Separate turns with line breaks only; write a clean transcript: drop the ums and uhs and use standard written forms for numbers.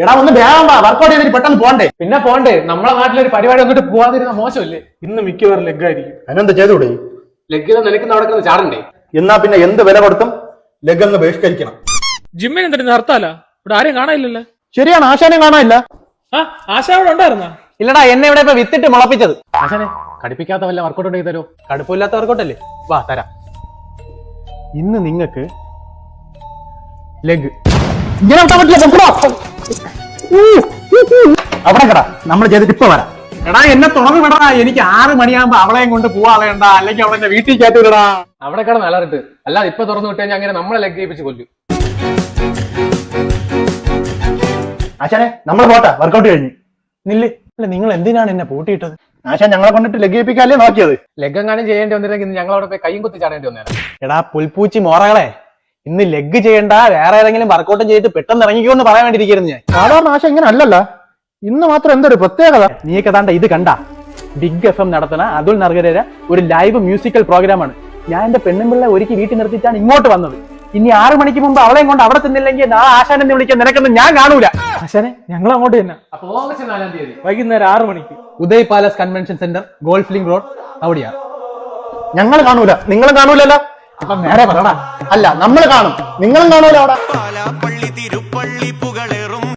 എടാ ഒന്ന് വേഗം വർക്കൗട്ട് ചെയ്തിട്ട് പെട്ടെന്ന് പോണ്ടേ.
പിന്നെ പോണ്ടേ, നമ്മളെ നാട്ടിലൊരു പരിപാടി വന്നിട്ട് പോവാതിരുന്ന മോശമല്ലേ?
ഇന്ന് മിക്കവാറും ലെഗ് ആയിരിക്കും.
അതിനെന്ത് ചെയ്തുകൂടെ?
ലെഗ് നിലയ്ക്കുന്ന നടക്കുന്നത് ചാടണ്ടേ?
എന്നാ പിന്നെ എന്ത് വില കൊടുത്തും ലെഗ് അങ്ങ് ബഹിഷ്കരിക്കണം.
ജിമ്മിന് എന്തിനു ഹർത്താലാ? ഇവിടെ ആരെയും കാണാനില്ലല്ലോ.
ശരിയാണ്, ആശാനെ കാണാനില്ല.
ആശ അവിടെ ഉണ്ടായിരുന്ന?
ഇല്ലടാ, എന്നെ ഇവിടെ ഇപ്പൊ വിത്തിട്ട് മുളപ്പിച്ചത്. ആശാനെ കടുപ്പിക്കാത്ത വല്ല വർക്കൗട്ട് ഉണ്ടെങ്കിൽ തരോ? കടുപ്പില്ലാത്ത വർക്കൗട്ടല്ലേ? വാ തരാം. ഇന്ന് നിങ്ങക്ക് ലെഗ്
ഇങ്ങനെ വിട്ടാൻ പറ്റില്ല. അവിടെ കടാ, നമ്മൾ ചെയ്തിട്ട് ഇപ്പൊ വരാം.
എടാ എന്നെ തുറന്നു വിടാ, എനിക്ക് 6 മണിയാകുമ്പോ അവളെയും കൊണ്ട് പോവാളയണ്ട, അല്ലെങ്കിൽ അവളെ വീട്ടിൽ കയറ്റി വിടടാ. അവിടെ കിടന്ന് അലറിട്ട്, അല്ലാതെ ഇപ്പൊ തുറന്നു വിട്ട് കഴിഞ്ഞാൽ അങ്ങനെ നമ്മളെ ലെഗ് ചെയ്യിപ്പിച്ച് കൊല്ലും.
ആശാനെ നമ്മൾ പോട്ടെ, വർക്കൗട്ട് കഴിഞ്ഞു.
നില്ല്, അല്ല നിങ്ങൾ എന്തിനാണ് എന്നെ പൂട്ടിയിട്ടത്?
ആശാൻ ഞങ്ങളെ കൊണ്ടിട്ട് ലെഗ് ചെയ്യിപ്പിക്കാല്ലേ നോക്കിയത്.
ലെഗ് എങ്ങാനും ചെയ്യേണ്ടി വന്നിരുന്നെങ്കിൽ ഞങ്ങൾ അവിടെ പോയി കൈയും കുത്തി ചാടേണ്ടി വന്നേരം.
എടാ പുൽപ്പൂച്ചി മോറകളെ, ഇന്ന് ലെഗ് ചെയ്യണ്ട, വേറെ ഏതെങ്കിലും വർക്കൗട്ടും ചെയ്തിട്ട് പെട്ടെന്ന് ഇറങ്ങിക്കോ എന്ന് പറയാൻ വേണ്ടിയിരിക്കുന്നു ഞാൻ.
സാധാരണ ആശ ഇങ്ങനെ അല്ലല്ല, ഇന്ന് മാത്രം എന്തൊരു പ്രത്യേകത.
നീയൊക്കെ താണ്ട ഇത് കണ്ട ബിഗ് FM നടത്തുന്ന അതുൽ നർഗരേര ഒരു ലൈവ് മ്യൂസിക്കൽ പ്രോഗ്രാമാണ്. ഞാൻ എന്റെ പെണ്ണുമ്പിള്ള ഒരുക്കി വീട്ടിൽ നിർത്തിച്ചാണ് ഇങ്ങോട്ട് വന്നത്. ഇനി 6 മണിക്ക് മുമ്പ് അവളെയും കൊണ്ട് അവിടെ ചെന്നില്ലെങ്കിൽ നാളെ ആശാനെന്ന് വിളിക്കാൻ നിനക്കൊന്നും ഞാൻ കാണൂല.
ആശാനെ ഞങ്ങൾ അങ്ങോട്ട് തന്നെ.
അപ്പൊ ഓഗസ്റ്റ് 4-ാം തീയതി
വൈകുന്നേരം 6 മണിക്ക്
Uday palace convention centre, golf link road, അവിടെയാണ്.
ഞങ്ങൾ കാണൂല, നിങ്ങളും കാണൂലല്ലോ.
അപ്പൊ നേരെ പറടാ.
അല്ല, നമ്മൾ കാണും, നിങ്ങളും കാണൂല. അവിടെ
പാലാപ്പള്ളി തിരുപ്പള്ളി പുകളേറും